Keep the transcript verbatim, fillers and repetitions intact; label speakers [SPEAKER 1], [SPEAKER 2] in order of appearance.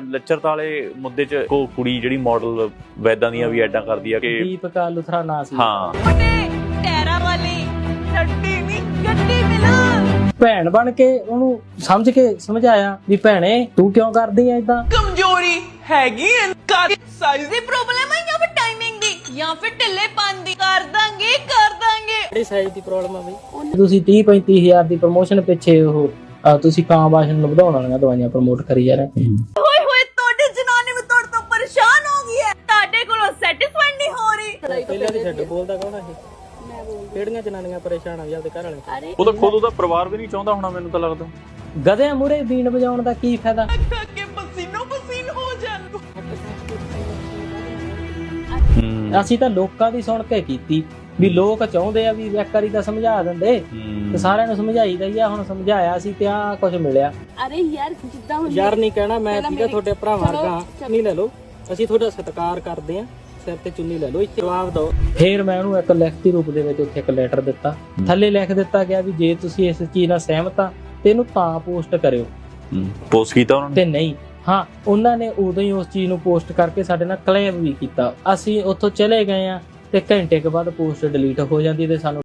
[SPEAKER 1] ਲੱਚਰਤਾ ਵਾਲੇ ਮੁੱਦੇ 'ਚ ਕੋ ਕੁੜੀ ਜਿਹੜੀ ਮਾਡਲ ਵੈਦਾਂ ਦੀਆਂ ਵੀ ਐਡਾਂ ਕਰਦੀ ਆ ਕਿ
[SPEAKER 2] ਦੀਪਕਾ ਲੁਥਰਾ ਨਾਂ ਸੀ।
[SPEAKER 1] ਹਾਂ
[SPEAKER 3] ਟੈਰਾ ਵਾਲੀ ਛੱਡੀ ਨਹੀਂ ਗੱਡੀ ਮਿਲ
[SPEAKER 2] ਭੈਣ ਬਣ ਕੇ ਉਹਨੂੰ ਸਮਝ ਕੇ ਸਮਝਾਇਆ ਵੀ ਭੈਣੇ ਤੂੰ ਕਿਉਂ ਕਰਦੀ ਐ ਇਦਾਂ।
[SPEAKER 3] ਕਮਜ਼ੋਰੀ ਹੈਗੀ ਐ ਸਾਈਜ਼ ਦੀ ਪ੍ਰੋਬਲਮ ਹੈ ਜਾਂ ਫਿਰ ਟਾਈਮਿੰਗ ਦੀ ਜਾਂ ਫਿਰ ਢਿੱਲੇ ਦੀ ਕਰ ਦਾਂਗੇ ਕਰ ਦਾਂਗੇ।
[SPEAKER 2] ਕਿਹੜੀ ਸਾਈਜ਼ ਦੀ ਪ੍ਰੋਬਲਮ ਆ ਬਈ? ਤੁਸੀਂ ਤੀਹ ਪੈਂਤੀ ਹਜ਼ਾਰ ਦੀ ਪ੍ਰਮੋਸ਼ਨ ਪਿੱਛੇ ਉਹ ਅਹ ਤੁਸੀਂ ਕਾਂ ਬਾਸ਼ਨ ਨੂੰ ਵਧਾਉਣ ਵਾਲੀਆਂ ਦਵਾਈਆਂ ਪ੍ਰਮੋਟ ਕਰੀ ਜਾ ਰਹੇ।
[SPEAKER 3] ਹੋਏ ਹੋਏ ਤੁਹਾਡੀ ਜਨਾਨੀ ਵੀ ਤੁਹਾਡੇ ਤੋਂ ਪਰੇਸ਼ਾਨ ਹੋ ਗਈ ਹੈ, ਤੁਹਾਡੇ ਕੋਲੋਂ ਸੈਟੀਸਫਾਈਡ ਨਹੀਂ ਹੋ ਰਹੀ।
[SPEAKER 2] ਪਹਿਲਾਂ ਦੀ ਛੱਡ ਬੋਲਦਾ ਕੌਣ ਆ ਇਹ? ਮੈਂ ਬੋਲਦੀ। ਕਿਹੜੀਆਂ ਜਨਾਨੀਆਂ ਪਰੇਸ਼ਾਨ ਆ ਵੀ ਆਪਦੇ ਘਰ ਵਾਲੇ?
[SPEAKER 1] ਉਹ ਤਾਂ ਖੁਦ ਉਹਦਾ ਪਰਿਵਾਰ ਵੀ ਨਹੀਂ ਚਾਹੁੰਦਾ ਹੋਣਾ, ਮੈਨੂੰ ਤਾਂ ਲੱਗਦਾ।
[SPEAKER 2] ਗਧਿਆਂ ਮੂਹਰੇ ਬੀਨ ਵਜਾਉਣ ਦਾ ਕੀ ਫਾਇਦਾ?
[SPEAKER 3] ਕਿ ਪਸੀਨੋ ਪਸੀਨ ਹੋ ਜਾਣ।
[SPEAKER 2] ਅਸੀਂ ਤਾਂ ਲੋਕਾਂ ਦੀ ਸੁਣ ਕੇ ਕੀਤੀ ਵੀ ਲੋਕ ਚਾਹੁੰਦੇ ਆ ਵੀ ਇੱਕ ਵਾਰੀ ਤਾਂ ਸਮਝਾ ਦਿੰਦੇ ਤੇ ਸਾਰਿਆਂ ਨੂੰ ਸਮਝਾਈਦਾ ਹੀ ਆ। ਹੁਣ ਸਮਝਾਇਆ ਸੀ ਤੇ ਆ ਕੁਝ ਮਿਲਿਆ।
[SPEAKER 4] ਅਰੇ ਯਾਰ ਜਿੱਦਾਂ ਹੁਣ
[SPEAKER 2] ਯਾਰ ਨਹੀਂ ਕਹਿਣਾ ਮੈਂ ਠੀਕ ਆ, ਤੁਹਾਡੇ ਭਰਾਵਾਂ ਵਰਗਾ ਚੁੰਨੀ ਲੈ ਲਓ, ਅਸੀਂ ਤੁਹਾਡਾ ਸਤਿਕਾਰ ਕਰਦੇ ਆ, ਸਿਰ ਤੇ ਚੁੰਨੀ ਲੈ ਲਓ, ਇੱਥੇ ਜਵਾਬ ਦਿਓ। ਫੇਰ ਮੈਂ ਉਹਨੂੰ ਇੱਕ ਲਿਖਤੀ ਰੂਪ ਦੇ ਵਿੱਚ ਉੱਥੇ ਇੱਕ ਲੈਟਰ ਦਿੱਤਾ, ਥੱਲੇ ਲਿਖ ਦਿੱਤਾ ਗਿਆ ਵੀ ਜੇ ਤੁਸੀਂ ਇਸ ਚੀਜ਼ ਨਾਲ ਸਹਿਮਤ ਆ ਤੇ ਇਹਨੂੰ ਤਾਂ ਪੋਸਟ ਕਰਿਓ।
[SPEAKER 1] ਪੋਸਟ ਕੀਤਾ ਉਹਨਾਂ ਨੇ
[SPEAKER 2] ਤੇ ਨਹੀਂ, ਹਾਂ ਉਹਨਾਂ ਨੇ ਉਦੋਂ ਹੀ ਉਸ ਚੀਜ਼ ਨੂੰ ਪੋਸਟ ਕਰਕੇ ਸਾਡੇ ਨਾਲ ਕਲੇਮ ਵੀ ਕੀਤਾ। ਅਸੀਂ ਉੱਥੋਂ ਚਲੇ ਗਏ ਆ ਤੇ ਘੰਟੇ ਕੇ ਬਾਅਦ ਪੋਸਟ ਡਿਲੀਟ ਹੋ ਜਾਂਦੀ ਤੇ ਸਾਨੂੰ